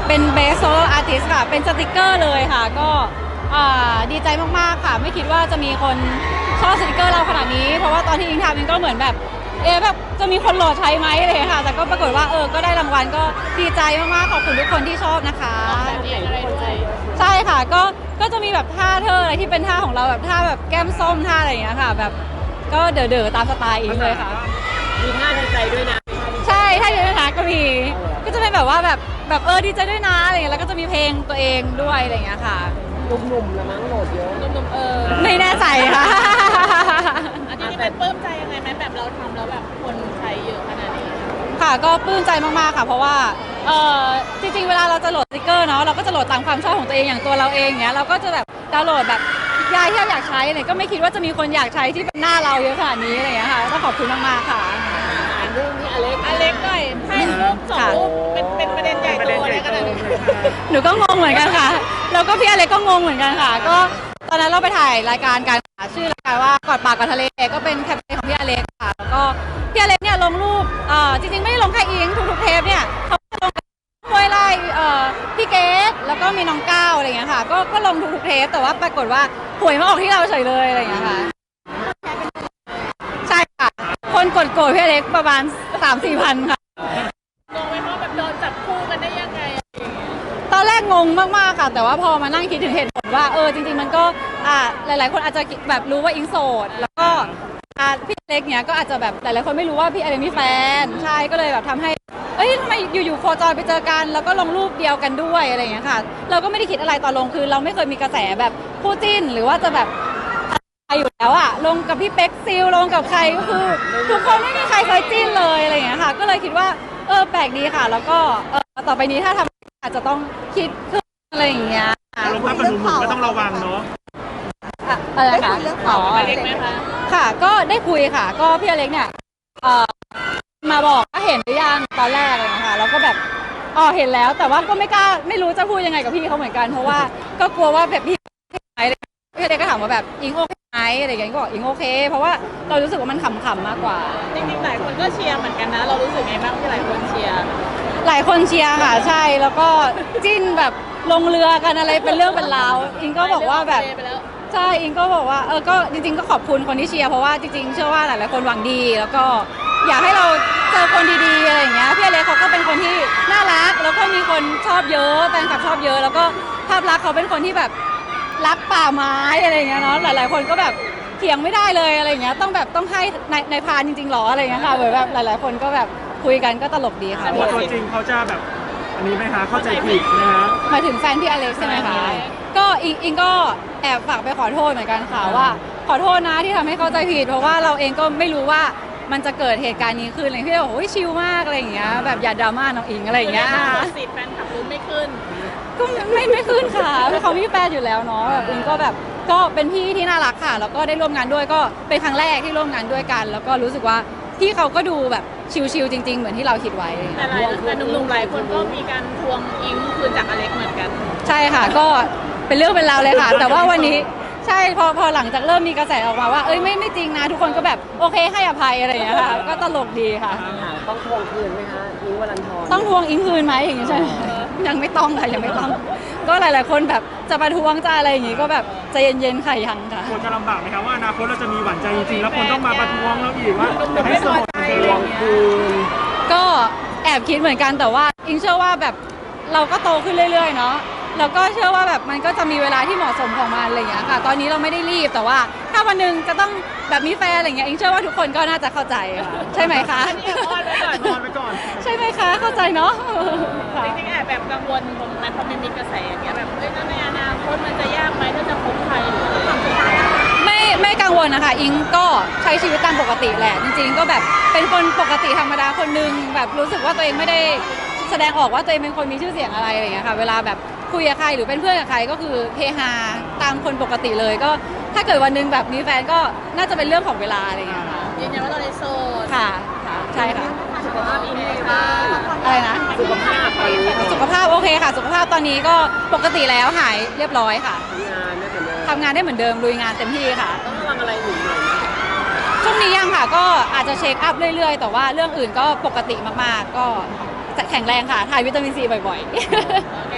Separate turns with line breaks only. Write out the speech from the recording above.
เป็นเบสโซโล่อาร์ติสค่ะเป็นสติกเกอร์เลยค่ะก็ดีใจมากๆค่ะไม่คิดว่าจะมีคนชอบสติกเกอร์เราขนาดนี้เพราะว่าตอนที่อิงทำมันก็เหมือนแบบแบบจะมีคนโหลดใช้ไหมอะไรค่ะแต่ก็ปรากฏว่าก็ได้รางวัลก็ดีใจมากๆขอบคุณทุกคนที่ชอบนะคะใช่ค่ะก็จะมีแบบท่าอะไรที่เป็นท่าของเราแบบท่าแบบแก้มส้มท่าอะไรอย่างเงี้ยค่ะแบบก็เด๋อๆตามสไตล์อิงเลยค่ะ
มีท่าดีใจด้วยนะ
ใช่ท่าดีด้วยนะก็มีก็จะเป็นแบบว่าแบบดีใจด้วยนะอะไรเงี้ยแล้วก็จะมีเพลงตัวเองด้วยอะไรอย่างเงี้ยค่ะ
หนุ่มๆละมั้งโหลดเยอะหนุ่ม
ไม่แน่ใจค่ะ
อันนี้เป็นปลื้มใจยังไงไหมแบบเราทำแล้วแบบคนใช้เยอะขนาดนี้
ค่ะก็ปลื้มใจมากๆค่ะเพราะว่าจริงๆเวลาเราจะโหลดสติกเกอร์เนาะเราก็จะโหลดตามความชอบของตัวเองอย่างตัวเราเองเนี้ยเราก็จะแบบดาวน์โหลดแบบยายที่เราอยากใช้เนี่ยก็ไม่คิดว่าจะมีคนอยากใช้ที่เป็นหน้าเราเยอะขนาดนี้อะไรอย่างเงี้ยค่ะต้องขอบคุณมากๆค่ะ
เรื่องนี้อเล็ก
หน่อยให้รูป2 รูปเป็นประเด็นใหญ่โตอะไรขนาดนี้
หนูก็งงเหมือนกันค่ะแล้วก็พี่อเล็กก็งงเหมือนกันค่ะก็ตอนนั้นเราไปถ่ายรายการกันชื่อรายการว่ากอดปากกอดทะเลก็เป็นแคมเปญของพี่อเล็กค่ะแล้วก็พี่อเล็กเนี่ยลงรูปจริงๆไม่ได้ลงแค่อิงทุกๆเทปเนี่ยเขาลงห้วยไล่พี่เกดแล้วก็มีน้องก้าวอะไรอย่างเงี้ยค่ะก็ลงทุกๆเทปแต่ว่าปรากฏว่าหวยมาออกที่เราเฉยเลยอะไรอย่างเงี้ยค่ะใช่ค่ะคนกดโกรธพี่อเล็กประมาณ 3-4 พันค่ะ
งงไหมว่าแบบโดนจับคู่กันได้ยังไง
ตอนแรกงงมากๆค่ะแต่ว่าพอมานั่งคิดถึงเหตุผลว่าจริงๆมันก็หลายๆคนอาจจะแบบรู้ว่าอิงโสดแล้วก็พี่เล็กเนี้ยก็อาจจะแบบหลายๆคนไม่รู้ว่าพี่อเล็กมีแฟนใช่ก็เลยแบบทำให้ทำไมอยู่ๆโคจรไปเจอกันแล้วก็ลงรูปเดียวกันด้วยอะไรอย่างเงี้ยค่ะเราก็ไม่ได้คิดอะไรตอนลงคือเราไม่เคยมีกระแสแบบคู่จิ้นหรือว่าจะแบบอยู่แล้วลงกับพี่เป๊กซิลลงกับใครก็คือทุกคนไม่มีใครเคยจิ้นเลยอะไรอย่างเงี้ยค่ะก็เลยคิดว่าแปลกดีค่ะแล้วก็ต่อไปนี้ถ้าทำอาจจะต้องคิดขึ้นอะไรอย่างเงี้ย
ลงภาพกับหนุ่มๆก็ต้องระวังเนาะ
อะไรคะ
เรื่องข่าวอเล็กไหมคะ
ค่ะก็ได้คุยค่ะก็พี่อเล็กเนี่ยมาบอกก็เห็นหรือยังตอนแรกเลยนะคะแล้วก็แบบเห็นแล้วแต่ว่าก็ไม่รู้จะพูดยังไงกับพี่เขาเหมือนกันเพราะว่าก็กลัวว่าแบบพี่ไหมพี่อเล็กก็ถามว่าแบบอิงโอเคไหมอะไรอย่างเงี้ยก็บอกอิงโอเคเพราะว่าเรารู้สึกว่ามันขำๆมากกว่า
จริงๆหลายคนก็เชียร์เหมือนกันนะเรารู้สึกไงบ้างที่หลายคนเชียร์
ค่ะใช่แล้วก็จิ้นแบบลงเรือกันอะไรเป็นเรื่องเป็นราวอิงก็บอกว่าแบบใช่อิงก็บอกว่าก็จริงๆก็ขอบคุณคนที่เชียร์เพราะว่าจริงๆเชื่อว่าหลายๆคนหวังดีแล้วก็อยากให้เราเจอคนดีๆอะไรอย่างเงี้ยพี่อเล็กเขาก็เป็นคนที่น่ารักแล้วก็มีคนชอบเยอะแฟนคลับชอบเยอะแล้วก็ภาพลักษณ์เขาเป็นคนที่แบบรักป่าไม้อะไรอย่างเงี้ยเนาะหลายๆคนก็แบบเถียงไม่ได้เลยอะไรอย่างเงี้ยต้องให้ในพานจริงๆหรออะไรอย่างเงี้ยค่ะเหมือนแบบหลายๆคนก็แบบคุยกันก็ตลกดีค่ะ
ตัวจริงเขาจะแบบอันนี้ไหมคะเข้าใจผิดนะฮะ
หมายถึงแฟนพี่อเล็กใช่ไหมคะก็อิงก็แอบฝากไปขอโทษเหมือนกันค่ะว่าขอโทษนะที่ทำให้เข้าใจผิดเพราะว่าเราเองก็ไม่รู้ว่ามันจะเกิดเหตุการณ์นี้ขึ้นอะไรพี่บอกโอ้ยชิลมากอะไรอย่างเงี้ยแบบอย่าดราม่าน้องอิงอะไรอย่างเงี้ย
สิแฟนขับรุ้นไม่ขึ้น
ก็ไม่ขึ้นค่ะเพราะเขามีแฟนอยู่แล้วเนาะแบบอิงก็แบบก็เป็นพี่ที่น่ารักค่ะแล้วก็ได้ร่วมงานด้วยก็เป็นครั้งแรกที่ร่วมงานด้วยกันแล้วก็รู้สึกว่าพี่เขาก็ดูแบบชิลๆจริงๆเหมือนที่เราคิดไว้
แต่หนุ่มๆหลายคนก็มีการทวงอิงคืนจากอเล็กเหมือนกัน
ใช่ค่ะก็เป็นเรื่องเป็นราวเลยค่ะแต่ว่าวันนี้ใช่พอหลังจากเริ่มมีกระแสออกมาว่าไม่จริงนะทุกคนก็แบบโอเคให้อภัยอะไรอย่างเงี้ยค่ะก็ตลกดีค่ะ
ต้องทวงคืนไหมคะอิงวรันทร
ต้องทวงอิงคืนไหมอย่างงี้ใช่ยังไม่ต้องค่ะยังไม่ต้องก็หลายๆคนแบบจะประท้วงจะอะไรอย่างงี้ก็แบบใจเย็นๆค่ะยังค่ะ
คนจะลำบากไหมคะว่าอนาคตเราจะมีหวานใจจริงๆแล้วคนต้องมาประท้วงแล้วอีกว่าให้สมด
ทวงคืน
ก็แอบคิดเหมือนกันแต่ว่าอิงเชื่อว่าแบบเราก็โตขึ้นเรื่อยๆเนาะแล้วก็เชื่อว่าแบบมันก็จะมีเวลาที่เหมาะสมของมันอะไรอย่างเงี้ยค่ะตอนนี้เราไม่ได้รีบแต่ว่าถ้าวันหนึ่งจะต้องแบบมีแฟนอะไรอย่างเงี้ยอิงเชื่อว่าทุกคนก็น่าจะเข้าใจใช่ไหมคะ
อ้อนไว้ก่อน
ใช่ไหมคะเข้าใจเนาะ
จริงๆแอบแบบกังวลตรงนั้นเพราะมันมีกระแสอย่างเงี้ยแบบในอนาคตมันจะยากไหมถ้าจะคบใครหรือจะทำอะไร
ไม่กังวลนะคะอิงก็ใช้ชีวิตตามปกติแหละจริงๆก็แบบเป็นคนปกติธรรมดาคนนึงแบบรู้สึกว่าตัวเองไม่ได้แสดงออกว่าตัวเองเป็นคนมีชื่อเสียงอะไรอย่างเงี้ยค่ะเวลาแบบคุยกับใครหรือเป็นเพื่อนกับใครก็คือเฮฮาตามคนปกติเลยก็ถ้าเกิดวันนึงแบบมีแฟนก็น่าจะเป็นเรื่องของเวลาอะไรอย่างเงี้ยค่ะ
ยืนยันว่าเราในโซน
ค่ะใช่ค่ะ
สุขภาพอิงค่ะ
อะไรนะ
สุขภาพ
สุขภาพโอเคค่ะสุขภาพตอนนี้ก็ปกติแล้วหายเรียบร้อยค่ะทำงานได้เหมือนเดิมลุยงานเต็มที่ค่ะ
ต้องระวังอะไรหนึ่งหน่อย
ช่วงนี้ยังค่ะก็อาจจะเช็คอัพเรื่อยๆแต่ว่าเรื่องอื่นก็ปกติมากๆก็แข็งแรงค่ะทานวิตามินซีบ่อยๆ